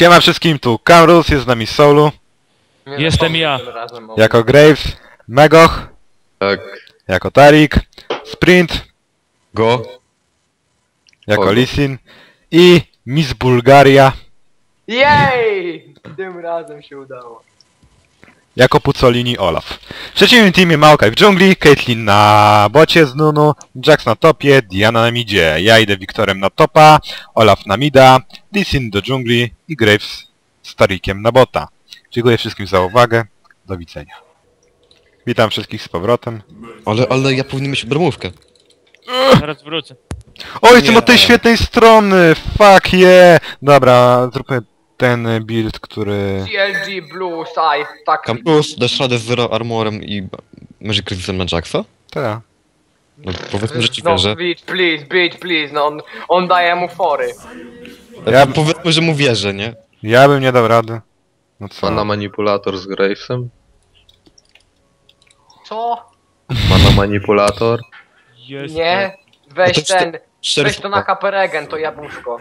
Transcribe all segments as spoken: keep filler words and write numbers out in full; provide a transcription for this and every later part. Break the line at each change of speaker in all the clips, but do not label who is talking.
Siema wszystkim, tu Kamrus, jest z nami Soulu.
Nie
Jestem ja.
Jako Graves, Megoch,
Tak.
jako Tarik, Sprint,
Go.
jako
Kogo?
Lisin i Miss Bulgaria,
Jej! Tym razem się udało.
jako Pucolini Olaf. W przeciwnym teamie Maokai w dżungli, Caitlyn na bocie z Nunu, Jax na topie, Diana na midzie. Ja idę Wiktorem na topa, Olaf na mida, Lisin do dżungli i Graves z Tarikiem na bota. Dziękuję wszystkim za uwagę, do widzenia. Witam wszystkich z powrotem.
Ale, ale ja powinien mieć bromówkę.
Zaraz wrócę.
O, jestem
Nie.
od tej świetnej strony! Fuck yeah! Dobra, zróbmy ten build, który...
G L G Blue Side, tak.
Campus, dasz radę z Zero Armorem i Magic Resistem na Jacksa?
Tak.
No powiedzmy, że ci
No,
wierzę.
bitch, please, bitch, please, no on, on daje mu fory.
Ja-
Ja... Powiedzmy, że mu wierzę, nie?
Ja bym nie dał rady. No co?
Mana manipulator z Gravesem?
Co?
Mana manipulator?
Jest.
Nie?
No
Weź
to
ten,
Cztery
weź to na H P Regen, to jabłuszko.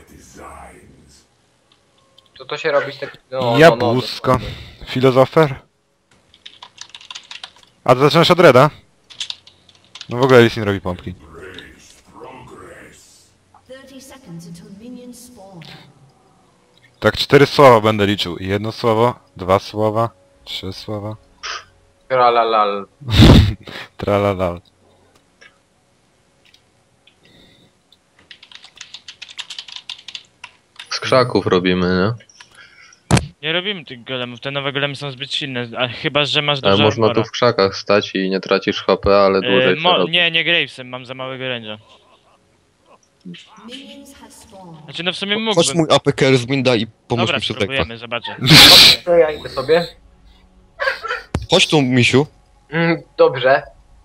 To to się robi z tak... No, no, no,
Jabłusko. Filozofer? A to zaczynasz od Reda? No w ogóle Lisin robi pompki.
thirty seconds until minions spawn.
Tak cztery słowa będę liczył. Jedno słowo, dwa słowa, trzy słowa.
Tralalal.
Tralalal.
Z krzaków robimy, nie?
Nie robimy tych golemów, te nowe golemy są zbyt silne, a chyba, że masz
Ale
dużo
można
armora.
tu w krzakach stać i nie tracisz H P, ale
E,
dłużej się
mo
robi.
nie, nie Gravesem, mam za małego range'a.
Minions have spawned.
Znaczy no w sumie
Chodź
mógłbym.
mój A P K z Minda i pomóż
Dobra,
mi przy tekach.
spróbujemy, zobaczę.
To ja idę sobie.
Chodź tu, misiu.
Mm, dobrze.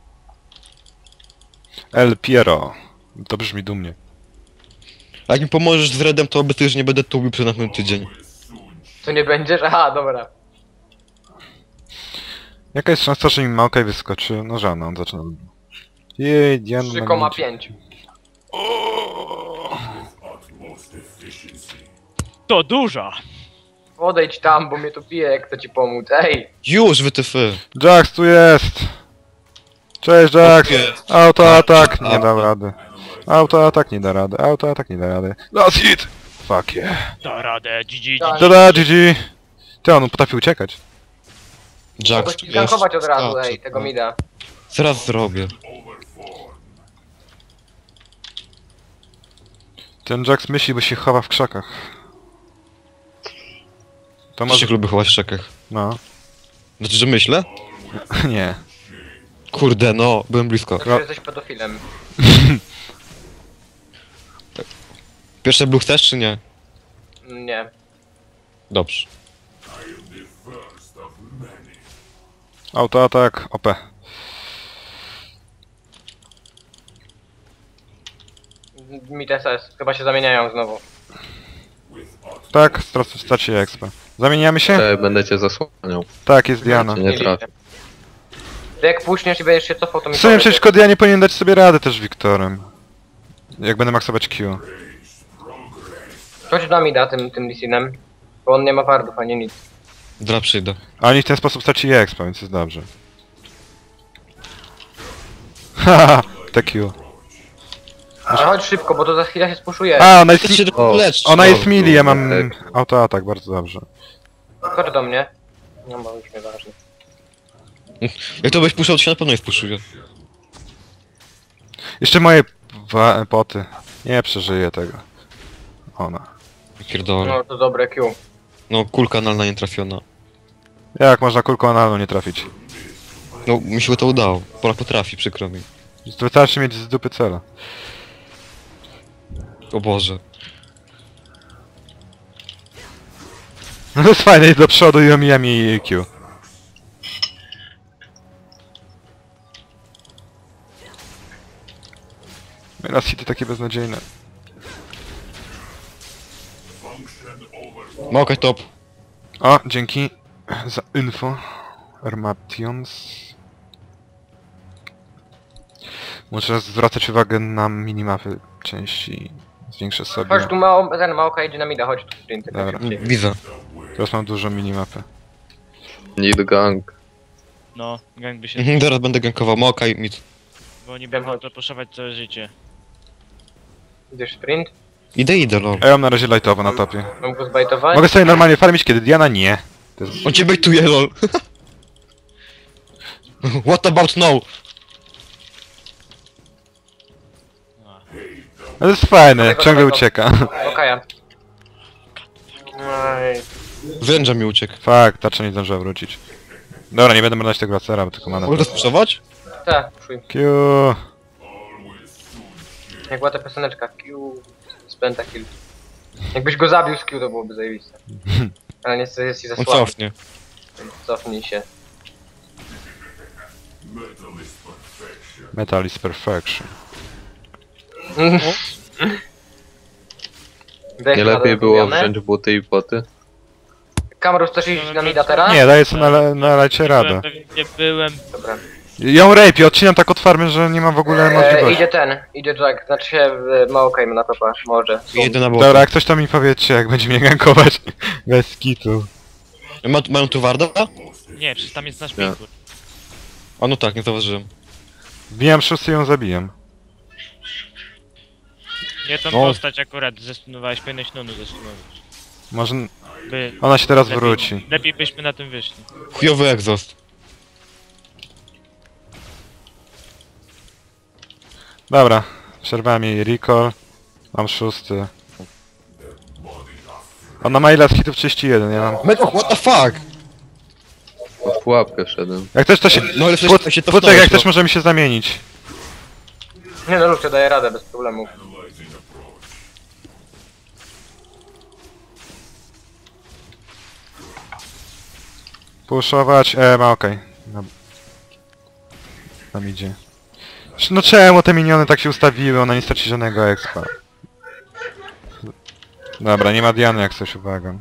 El Piero. To brzmi dumnie.
A jak mi pomożesz z Redem, to obiecuję, że nie będę tubił przez następny tydzień.
Co nie będziesz? Aha, dobra.
Jaka jest szansa, że mi Maokai wyskoczy? No żadna, on zaczyna... Jej, Diana
trzy
na
przecinek
midzie.
pięć.
To duża!
Odejdź tam, bo mnie tu pije, jak chcę ci pomóc. Ej!
Już, wytyfy.
Jax tu jest! Cześć Jax!
Jest.
Autoatak! Nie dam rady. Autoatak nie da rady, autoatak nie da rady. Last hit! Fuck yeah.
Da radę, G G,
Tak.
G G.
Tada, G G! Ty, on potrafi uciekać.
Jack,
Mogę ci gankować od razu, ej, tego
mi
mi da.
Zaraz zrobię.
Ten Jax myśli, bo się chowa w krzakach. To
To
może...
się lubię chować w czekach.
No.
Znaczy, że myślę?
Nie.
Kurde, no, byłem blisko.
Znaczy, że jesteś pedofilem.
Pierwsze blue chcesz, czy nie?
Nie.
Dobrze.
Autoatak, O P.
Mi S S. Chyba się zamieniają znowu.
Tak, straci straci expa. Zamieniamy się?
Ej, będę cię zasłaniał.
Tak, jest Diana.
Nie trafię.
Ty jak puśniesz i będziesz się cofał, to mi
W sumie
powiedz.
przeciwko Dianie powinien dać sobie radę też Wiktorem. Jak będę maksować Q.
Chodź do mi da tym, tym Lisinem. Bo on nie ma wardów ani nic.
Dra przyjdę.
A oni w ten sposób straci expa, więc jest dobrze. Haha, te Q.
Ale chodź szybko, bo to za chwilę się spuszuje.
A, ona
Ty
jest...
się
O,
lecz.
Ona jest
O,
mili, ja mam
tak.
autoatak, bardzo dobrze.
Chodź do mnie. No bo już nieważne.
Jak to byś puszczał, to się na pewno nie wpuszczuje.
Jeszcze moje wa- poty. Nie przeżyję tego. Ona.
Pierdolę.
No to dobre Q.
No, kulka analna nie trafiona.
Jak można kulką analną nie trafić?
No, mi się to udało. Polak potrafi, przykro mi.
Wystarczy mieć z dupy cela.
O Boże.
No to jest fajne, iść do przodu i omijam jej Q. Raz hity takie beznadziejne.
Małkaj top.
O, dzięki za info. Armations. Muszę zwracać uwagę na minimapy części Zwiększę sobie.
Chodź tu, mało, ten Maoka idzie na mida, chodź tu sprint. tak
Dobra.
szybciej.
Widzę.
Teraz mam dużą minimapę.
Need gang.
No, gang by się...
Mhm, teraz będę gankował Maoka i mid.
Bo oni będą to puszować całe życie.
Idziesz sprint?
Idę, idę, lol.
Ja mam na razie lightowo na topie.
Mam go zbajtować?
Mogę sobie normalnie farmić, kiedy Diana nie. To jest...
On cię bejtuje, lol. What about no?
No to jest fajne,
Tego
ciągle
samego.
ucieka.
Okaja. Oj.
Wręcza mi uciekł.
Fakt, tarcza nie zdążyła wrócić. Dobra, nie będę brać tego lacera, bo tylko mana.
Mogę rozproszować?
Tak, szuj.
Q.
Jak była ta pioseneczka, Q... z pentakill. Jakbyś go zabił z Q, to byłoby zajebiste. Ale niestety jest i za
On
słaby,
cofnie.
więc cofnij się.
Metal is perfection.
Dech
Nie
ma
lepiej było
dorobione.
wziąć buty i poty?
Kamerus, chcesz iść na mida teraz?
Nie, daję sobie na, na lecie radę.
Nie byłem...
Dobra.
Ją rape, odcinam tak od farmy, że nie ma w ogóle
E,
możliwości.
idzie ten, idzie Jack, znaczy się e, Maokai na topa, może.
Idę na bok.
Dobra, jak coś to mi powiedzcie, jak będzie mnie gankować. Bez kitu.
Ma, mają tu warda?
Nie, przecież tam jest nasz
Nie.
pingur.
A no tak, nie zauważyłem.
Wbijam szósty i ją zabijam.
Nie tą
No.
postać akurat zestunowałeś, powinieneś Nunu zestunować.
Może...
By...
Ona się teraz
lepiej-
wróci.
Lepiej byśmy na tym wyszli.
Chujowy egzost.
Dobra, przerwałem jej recall. Mam szósty. Ona ma ile z hitów? trzydzieści jeden, ja mam...
Meko, what the fuck?
W pułapkę wszedłem.
Jak też to się...
No ale
Płot,
przecież się to
Płotek, jak też możemy się zamienić.
Nie no, Lucio daje radę bez problemu.
Puszować, e, ma okej. No. Tam idzie. No czemu te miniony tak się ustawiły? Ona nie straci żadnego expa. Dobra, nie ma Diany jak coś, uwaga.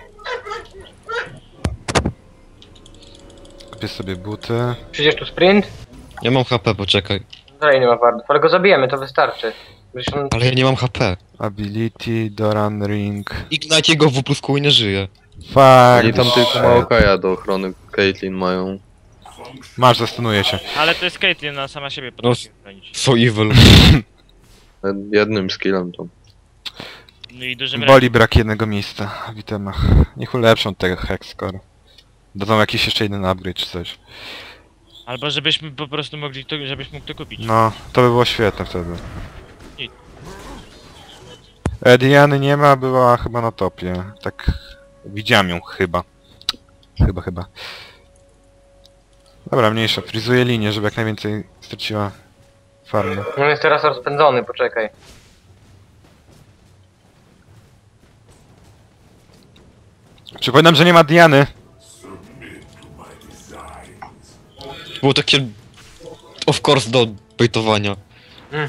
Kupię sobie buty.
Przyjdziesz tu sprint?
Ja mam H P, poczekaj.
Dalej nie ma wardów, ale go zabijemy, to wystarczy. Przecież on...
Ale ja nie mam H P.
Ability, Doran Ring.
Ignite jego w plusku i nie żyje.
Fuck.
Oni tam
shit.
tylko Maokaja do ochrony Caitlyn mają.
Masz, zastunuję cię.
Ale to jest Caitlyn, ona sama siebie potrafi bronić.
So evil.
Jednym skillem tam.
No i dużym
Boli brak jednego miejsca w itemach. Niech ulepszą tego Hexcore. Dadzą jakiś jeszcze jeden upgrade czy coś.
Albo żebyśmy po prostu mogli to, żebyś mógł to kupić.
No, to by było świetne wtedy.
I-
E, Diany nie ma, była chyba na topie. Tak... Widziałem ją chyba. Chyba, chyba. Dobra, mniejsza. Frizuję linię, żeby jak najwięcej straciła farmy.
On jest teraz rozpędzony, poczekaj.
Przypominam, że nie ma Diany.
Było takie... Of course do bejtowania.
Mm.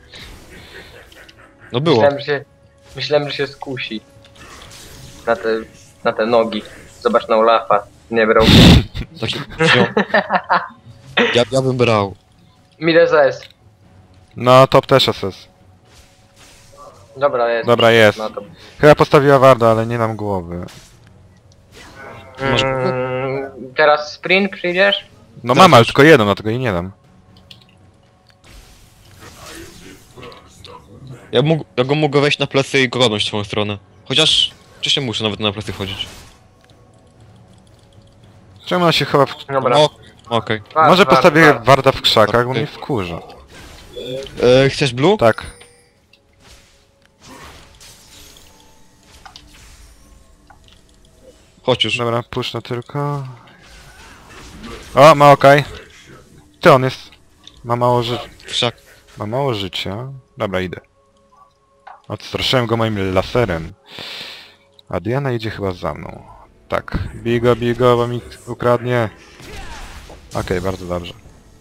No było.
Myślałem, że się... Myślałem, że się skusi. Na te... na te nogi. Zobacz na Olafa. Nie brał.
Taki... Ja, ja bym brał.
Miles S.
No, top też S S.
Dobra, jest.
Dobra, jest.
No to...
Chyba postawiła Warda, ale nie nam głowy.
Masz-
Mm, teraz sprint przyjdziesz?
No
Zaraz
mam, ale
już.
tylko jedną, dlatego jej nie dam.
Ja, mógł, ja go mogę wejść na plecy i go godność w swoją stronę. Chociaż... Czy się muszę nawet na plecy chodzić?
Czemu ona się chowa w...
Dobra.
O, okej.
Wart,
Może
wart,
postawię
wart.
Warda w krzakach, bo
Okej.
mnie wkurza.
E, chcesz blue?
Tak.
Chodź już.
Dobra, puszczę tylko. O, ma okej. Ty, on jest... Ma mało życia.
Wszak.
Ma mało życia. Dobra, idę. Odstraszyłem go moim laserem. A Diana idzie chyba za mną. Tak. Bigo, bigo, bo mi ukradnie. Okej, bardzo dobrze.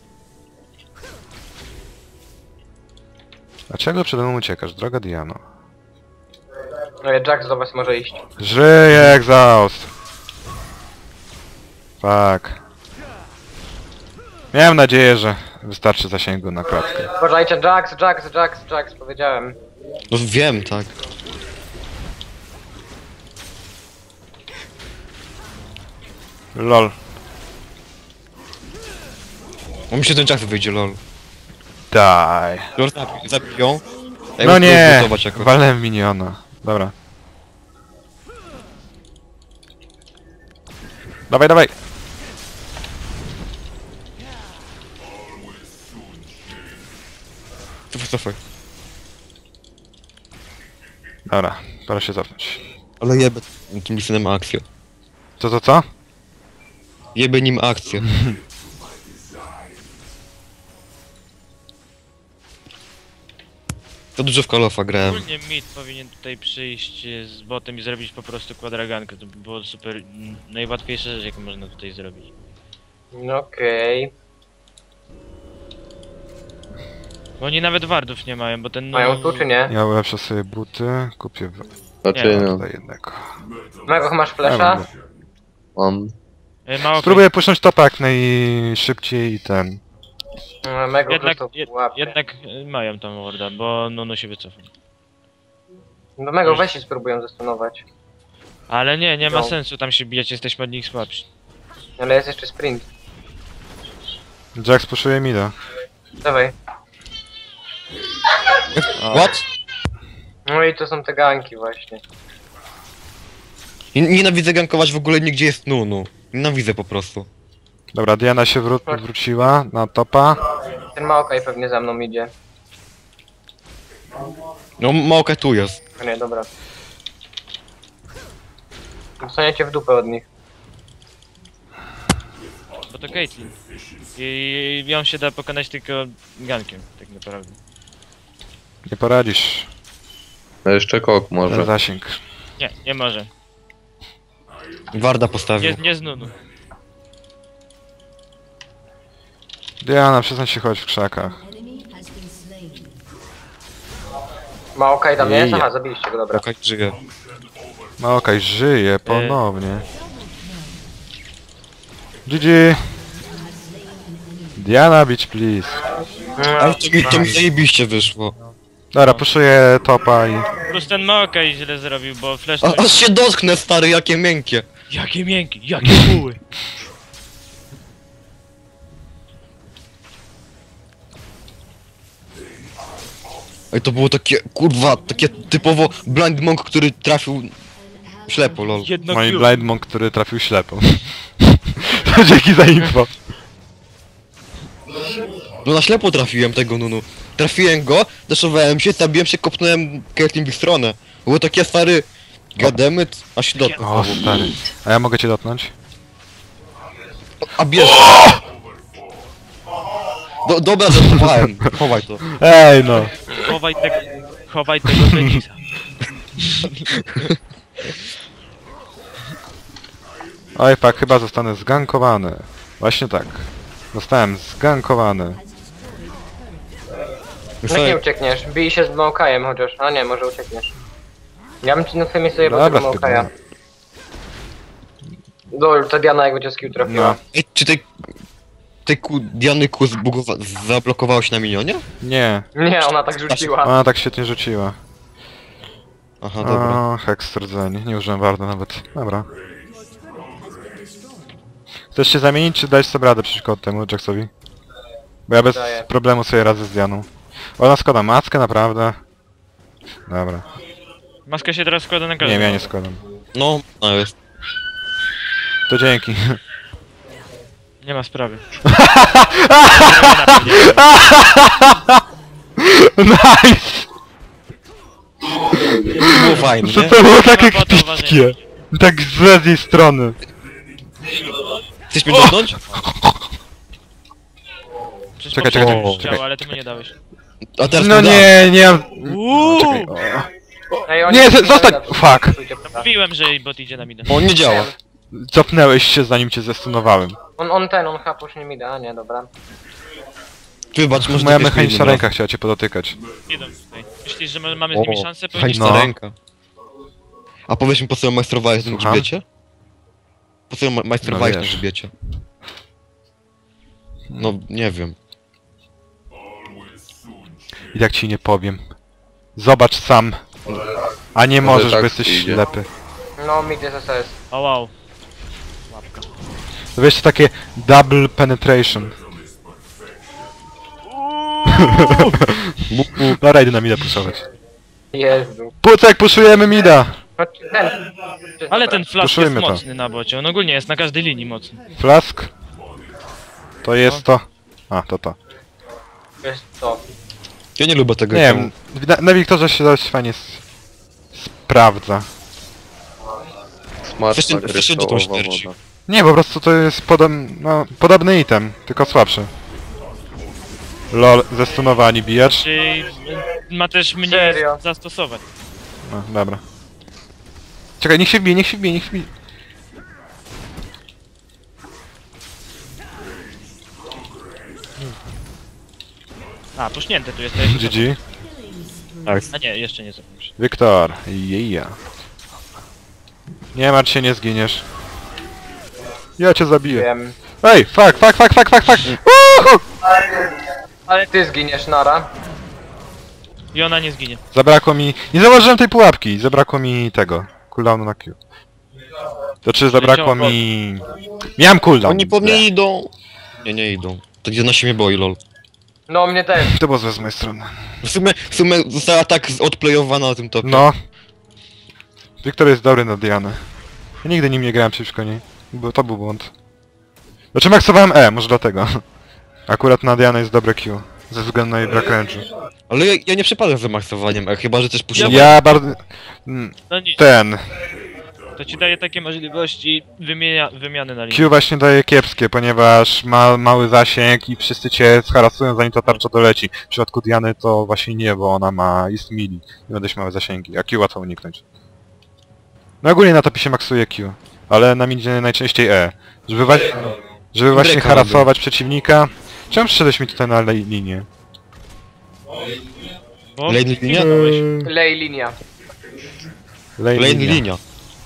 Dlaczego przede mną uciekasz, droga Diano?
No ja Jack do was może iść.
Żyje egzaust! Fuck. Miałem nadzieję, że wystarczy zasięgu na klatkę.
Uważajcie, Jax, Jax, Jax, Jax, powiedziałem.
No wiem, tak.
Lol.
On mi się ten czas wyjdzie, lol.
Daj.
Lol zabi- zabiją. Ja
No
muszę
nie!
zbudować jako.
Walnąłem miniona. Dobra. Dawaj, dawaj!
Cofaj, cofaj.
Dobra, pora się cofnąć.
Ale jebę tym lisynem akcję.
Co, co, co?
Jebę nim akcję. To dużo w Call of'a grałem.
Ogólnie mid powinien tutaj przyjść e, z botem i zrobić po prostu kwadragankę. To by było super, m, najłatwiejsza rzecz, jaką można tutaj zrobić.
No okej.
Bo oni nawet wardów nie mają, bo ten... no-
Mają tu czy nie?
Ja ulepszę sobie buty, kupię w...
Raczej
Nie,
nie.
tutaj jednego.
Mego, masz
Ja
flesza?
będę.
Mam.
E, Mało
Spróbuję puszcząć topa jak najszybciej i ten.
No, Mego
Jednak,
prosto
jed,
łapie.
jednak e, mają tam warda, bo Nunu się wycofa.
No Mego weź się spróbują zastunować.
Ale nie, nie ma
No.
sensu tam się bijać, jesteśmy od nich słabsi.
Ale jest jeszcze sprint.
Jax puszuje mida.
Dawaj.
What?
No i to są te ganki właśnie.
Nie- Nienawidzę gankować w ogóle nigdzie jest Nunu. Nienawidzę po prostu.
Dobra, Diana się wró- wróciła na topa.
Ten Maokaj pewnie za mną idzie.
No Maokai tu jest.
No nie, dobra. Dostaniecie w dupę od nich.
Bo to Caitlyn. I ją się da pokonać tylko gankiem, tak naprawdę.
Nie poradzisz.
A jeszcze kok
Ten
może.
zasięg.
Nie, nie może.
Warda postawił.
Nie, nie z Nunu.
Diana, przestań się chować w krzakach.
Enemy has been slain.
Maokaj tam jest?
Ja.
Aha, zabiliście go, dobra.
Maokai żyje.
No okej, żyje ponownie. G G. Diana, bitch please.
Ale to mi, to mi zajebiście wyszło.
Dobra, puszuję topa i...
Plus ten Maokai źle zrobił, bo flash...
A, aż się dotknę, stary, jakie miękkie.
Jakie miękkie, jakie buły!
Ej, to było takie, kurwa, takie typowo blind monk, który trafił ślepo, lol.
Jedno
Moi
Q.
blind monk, który trafił ślepo. To dzięki za info.
No na ślepo trafiłem tego Nunu. Trafiłem go, deszowałem się, zabiłem się, kopnąłem Caitlyn w ich stronę. Było takie, stary, goddammit, a się dotknął.
O stary. A ja mogę cię dotknąć?
A bierz! Do, dobra, żartowałem. Chowaj to.
Ej no.
Chowaj tego... Chowaj tego Fenixa.
Oj pak, chyba zostanę zgankowany. Właśnie tak. Zostałem zgankowany.
Jak nie uciekniesz? Bij się z Maokajem chociaż. A nie, może uciekniesz. Ja bym ci na twoim miejscu jebał
Dobra,
tego Maokaja. Dol, ta Diana jak będzie skill trafiła.
No.
Ej, czy tej... Tej ku, Diany ku zbugowa... zablokowało się na minionie?
Nie.
Nie, ona tak rzuciła.
Ona tak świetnie rzuciła.
Aha, dobra.
O, heks rdzeń. Nie użyłem warto nawet. Dobra. Chcesz się zamienić, czy dać sobie radę przeciwko temu Jacksowi? Bo ja bez
Daję.
problemu sobie radzę z Dianą. Ona składa maskę, naprawdę. Dobra.
Maska się teraz składa na
Nie
każdego.
wiem, ja nie składam.
No, no jest.
To dzięki.
Nie ma sprawy.
Nice!
Było fajne,
To
nie?
to było takie
Nie ma powodu
kpickie. Tak z jej strony.
Chcesz mnie dotknąć?
Przecież
Czekaj,
poprzednio
czekaj,
już
czekaj.
działa, ale ty mu nie dałeś.
A teraz
No
mi da.
nie, nie mam...
Uuu!
Czekaj, o.
Ej, oni
Nie,
się
z- zostań!
dadzą.
Fuck!
Stójcie, prawda.
Mówiłem, że bot idzie na midę.
On nie działa.
Cofnęłeś się zanim cię zestunowałem.
On, on ten, on hapusz nie mi da, nie, dobra.
Wybacz, może
Moja
to jest
mechaniczna
inny
ręka chciała cię podotykać.
Idą tutaj. Myślisz, że my mamy z
raz.
nimi
O,
szansę? Powinniśmy...
mechaniczna
No.
ręka. A powiedz mi, po co ją majstrowałeś na
Słucham?
grzbiecie? Po co ją ma- majstrowałeś
No
na
wiesz.
grzbiecie? No, nie wiem.
I tak ci nie powiem. Zobacz sam. A nie
Może
możesz,
tak
bo jesteś
idzie.
ślepy.
No, mid jest S S.
O wow. Łapka.
To wiesz, takie double penetration. Dobra, idę na mida puszować.
Jezu.
Pucek, puszujemy mida!
Chodź, ten.
Ale ten flash jest
Puszujmy to.
mocny na bocie, on ogólnie jest na każdej linii mocny.
Flask? To jest to. A, to to.
Wiesz co?
Ja nie lubię tego
Nie
iTemu.
wiem, na, na Wiktorze się dość fajnie s- sprawdza.
Smaczna
Wreszcie- wreszcie do tą
kryształowa
śmierci.
woda.
Nie, po prostu to jest podobny, no, podobny item, tylko słabszy. Lol, zestunowani bijacz.
Czyli ma też mniej
Serio?
zastosowań.
No, dobra. Czekaj, niech się wbije, niech się wbije, niech się wbije.
A, puśnięte tu jesteś.
G G.
A nie, jeszcze nie zakończę.
Wiktor, jeja. Nie martw się, nie zginiesz. Ja cię zabiję.
Wiem.
Ej, fuck, fuck, fuck, fuck, fuck, fuck! Uhu!
Ale ty zginiesz, Nara.
I ona nie zginie.
Zabrakło mi... Nie zauważyłem tej pułapki, zabrakło mi tego. Cooldownu na Q. To czy zabrakło mi... Miałem cooldown.
Oni po mnie idą. Nie, nie idą. To gdzie na mnie boi, lol.
No, mnie też.
To było złe z mojej strony.
W sumie, w sumie została tak odplayowana na tym topie.
No. Wiktor jest dobry na Dianę. Ja nigdy nim nie grałem przeciwko niej. Bo to był błąd. Znaczy maksowałem E, może dlatego. Akurat na Dianę jest dobre Q. Ze względu na jej brak range'u.
Ale ja, ja nie przepadam za maksowaniem, e, chyba że też puszczę.
Ja bardzo... mm,
No nic,
Ten...
to ci daje takie możliwości wymienia, wymiany na linii.
Q właśnie daje kiepskie, ponieważ ma mały zasięg i wszyscy cię zharasują zanim ta tarcza doleci. W przypadku Diany to właśnie nie, bo ona ma... jest mili. I ma dość małe zasięgi, a Q łatwo uniknąć. No ogólnie na topie się maksuje Q, ale na midzie najczęściej E. Żeby, wa żeby właśnie
Breaka
harasować przeciwnika. Czemu przyszedłeś mi tutaj na le linię?
Bo
Lane linia?
zginąłeś.
Lej linia.
Lane
Lane
linia.
linia.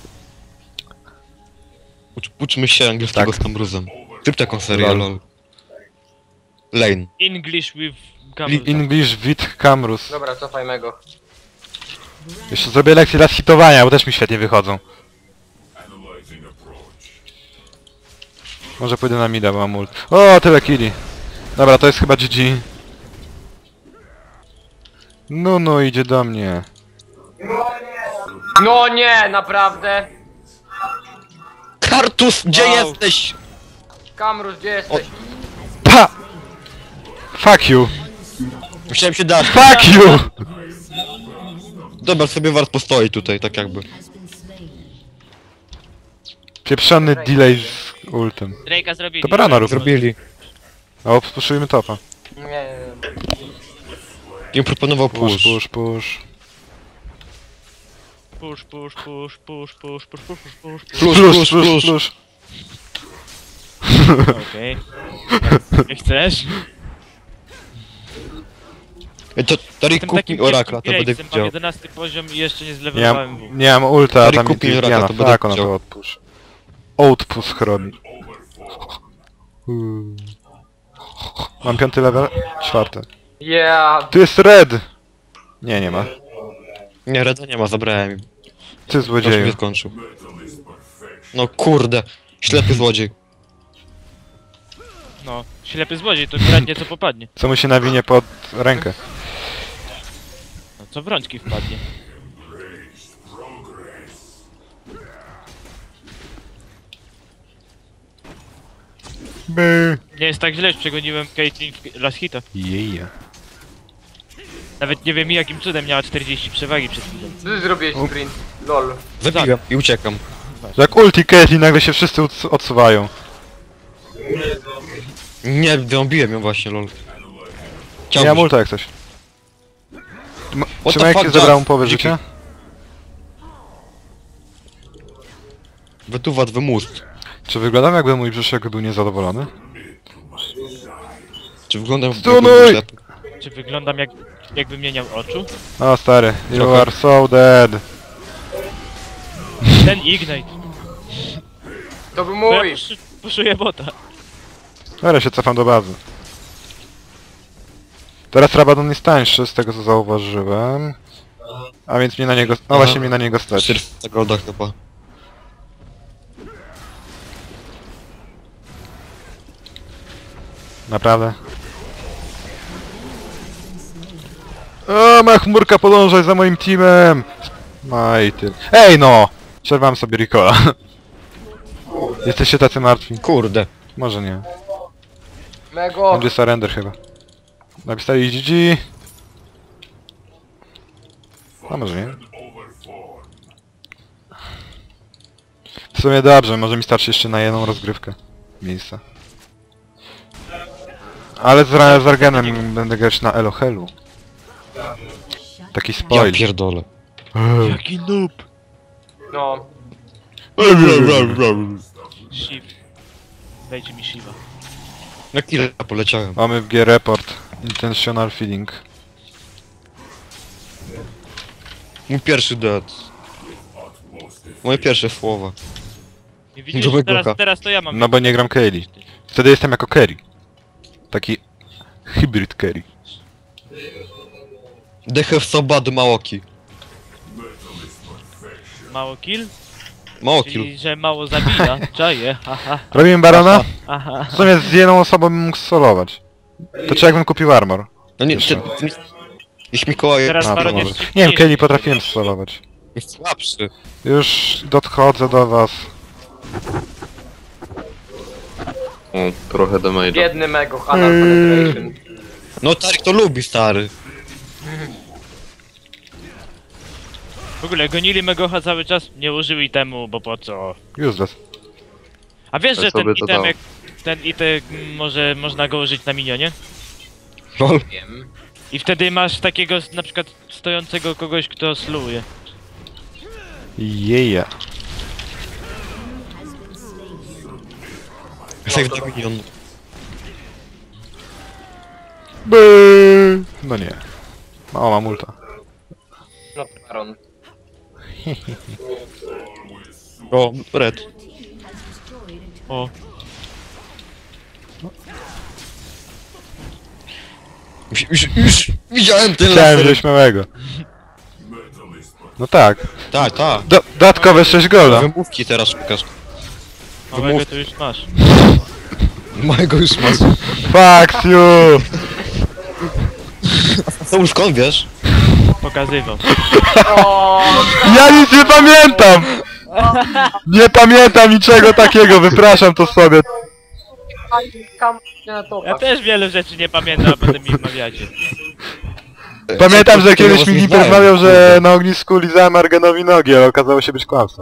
Ucz, uczmy się angielskiego
Tak.
z Cambruzem. Typ taką serię,
Lol.
lol. Lane.
English with
Li
camel.
English with Camrus.
Dobra, cofajmy go.
Jeszcze zrobię lekcję raz hitowania, bo też mi świetnie wychodzą. Może pójdę na mida, bo mam ult. O, tyle killi. Dobra, to jest chyba G G. No, no, idzie do mnie.
No nie, naprawdę.
Kartus, gdzie
Wow.
jesteś?
Kamrus, gdzie jesteś?
Pa! Fuck you!
Musiałem się dać.
Fuck you!
Dobra, sobie wart postoi tutaj, tak jakby.
Pieprzony delay z ultem.
Drake'a zrobili.
To barana rób.
Zrobili.
O, puszujmy topa.
Nie, nie,
Im proponował
Push,
push.
push, push.
Push, push, push, push, push, push, push, push, push, push.
Plus,
Plus,
plus,
plus,
plus.
plus.
Okej. Nie chcesz?
Ej, to Tarik
Jestem
kup
takim
mi Orakla, to
kiepskim
będę
grade'em, mam
widział.
jedenasty poziom i jeszcze nie
Nie
zlewelowałem
mam,
W.
nie mam ulta, a
Tarik
tam mi
kupi Raka,
Diana,
to będę
tak, ona
chciał.
to odpush. Outpush robi. Hmm. Mam piąty level? Czwarty.
Yeah.
Tu jest red! Nie, nie ma.
Nie, Reda nie ma, zabrałem im.
Ty
Już mnie
złodzieju.
skończył. No kurde. Ślepy złodziej.
No, ślepy złodziej, to kradnie co popadnie.
Co mu się nawinie pod rękę.
No, co w rączki wpadnie.
By.
Nie jest tak źle, że przegoniłem Caitlyn w last hita.
Jeja.
Nawet nie wiem jakim cudem miała czterdzieści przewagi przed chwilą.
Ty zrobiłeś sprint. Lol.
Zabiłem i uciekam.
Jak ulti Caitlyn nagle się wszyscy odsu- odsuwają.
Nie, wyrąbiłem ją właśnie, lol.
Nie
Chciałbyś.
mam ulta jak coś. Ma-
What
Czy
the
Majki
fuck,
zabrał mu
Jack?
połowę
Dziki.
życia?
Wytuwat w mózg.
Czy wyglądam jakby mój brzuszek był niezadowolony?
Czy wyglądam
Stunuj!
jakbym ślepy?
Czy wyglądam jak, jakbym nie miał oczu?
O stary, you
Trochę.
are so dead.
Ten Ignite.
To był
Bo ja
mój.
puszy- puszuję bota.
Dobra, się cofam do bazy. Teraz Rabadon jest tańszy, z tego co zauważyłem. A więc mnie na niego... No właśnie mnie na niego stać.
czterysta golda chyba.
Naprawdę. O, ma chmurka, podążaj za moim teamem! No i ty... Ej no! Przerwam sobie Ricola. Jesteście tacy martwi?
Kurde.
Może nie.
Mego!
Będzie surrender chyba. Napisali G G. A może nie. W sumie dobrze, może mi starczy jeszcze na jedną rozgrywkę. Miejsca. Ale z, Ra- z Argenem będę grać na Elohelu. Taki
Ja
spoil.
pierdolę.
Jaki noob!
No.
Shiv. Dajcie mi Shiva.
Na ile poleciałem?
Mamy w G report. Intentional feeding.
Mój pierwszy dead. Moje pierwsze słowa.
I widzisz,
Dobry
teraz,
Gocha.
teraz to ja mam.
No bo nie gram carry. Wtedy jestem jako carry. Taki... hybrid carry.
They have so bad Maoki.
Mało kill?
Mało kill.
Czyli, że mało zabija. Czaję, haha,
Robimy barona?
aha.
W sumie z jedną osobą bym mógł solować. To czy jakbym kupił armor?
No nie,
Jeszcze.
ty, ty, jeśli Mikołaj
Teraz
A, to
Baron
może.
jest
Nie wiem,
szybciejszy.
Kelly potrafiłem solować.
jest słabszy.
Już podchodzę do was.
O, trochę damage'a.
Biedny Mego, Hanal Penetration.
No Tarik to lubi, stary.
W ogóle gonili Megocha cały czas, nie użyli temu, bo po co?
Useless.
A wiesz,
To
że ten
sobie to
item,
dało.
jak, ten item mm, może, można go użyć na minionie?
Lol.
Wiem.
I wtedy masz takiego na przykład stojącego kogoś, kto sluje.
Jeja.
Save the minion.
By. No nie. O, mam ulta.
No Baron.
O, red.
O,
Już, już, już widziałem ten
Chciałem
laser.
wziąć małego. No tak.
Tak, tak.
Do dodatkowe sześć golda.
Wymówki teraz szukasz.
małego
Wymów-
to już masz.
Mojego już masz.
Fuck you!
To już skąd wiesz?
Pokazywał.
O,
Ja nic nie pamiętam! Nie pamiętam niczego takiego, wypraszam to sobie.
kam na to.
Ja też wiele rzeczy nie pamiętam, a potem mi wmawiacie.
Pamiętam, że
Ja
kiedyś
was
mi
nie
Gimper
znałem,
mawiał, że
kurde.
na ognisku lizałem Argenowi nogi, ale okazało się być kłamstwem.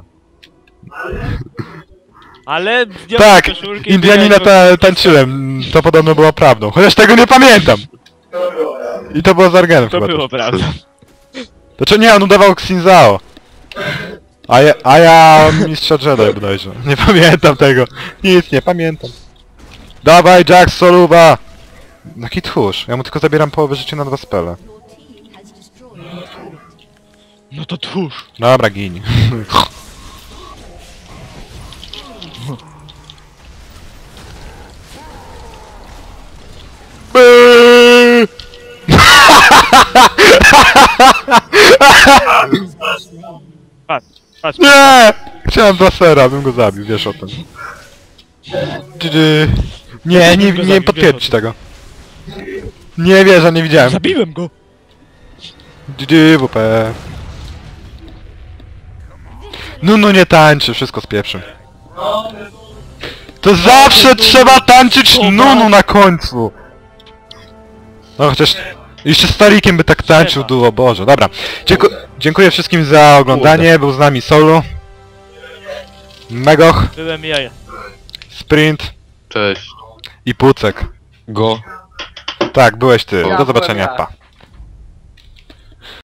Ale zdjąłem
Tak,
koszulkę i
Indianina
biegałem
ta tańczyłem, to podobno było prawdą, chociaż tego nie pamiętam! I to było z Argenem
To
chyba
było
też.
prawda.
To czy nie, on udawał Xinzao. A ja, a ja mistrza Jedi bodajże. Nie pamiętam tego. Nic, nie pamiętam. Dawaj Jax, soluba! Jaki tchórz, ja mu tylko zabieram połowę życia na dwa spele.
No to tchórz.
Dobra, gin. By!
Patrz, patrz.
Nie! Chciałem Blasera, bym go zabił, wiesz o tym. G G. Nie, nie, nie potwierdź tego. Nie wierzę, nie widziałem.
Zabiłem go!
G G, W P. No, no nie tańczy, wszystko z pieprzem. To zawsze trzeba tańczyć Nunu na końcu! No chociaż... Jeszcze z Tarikiem by tak tańczył duo, Boże, dobra. Dzięku dziękuję wszystkim za oglądanie, był z nami Solu. Megoch,
Byłem jaja.
Cześć.
Sprint i Pucek.
Go.
Tak, byłeś ty.
Ja
Do
byłem
zobaczenia,
ja.
pa.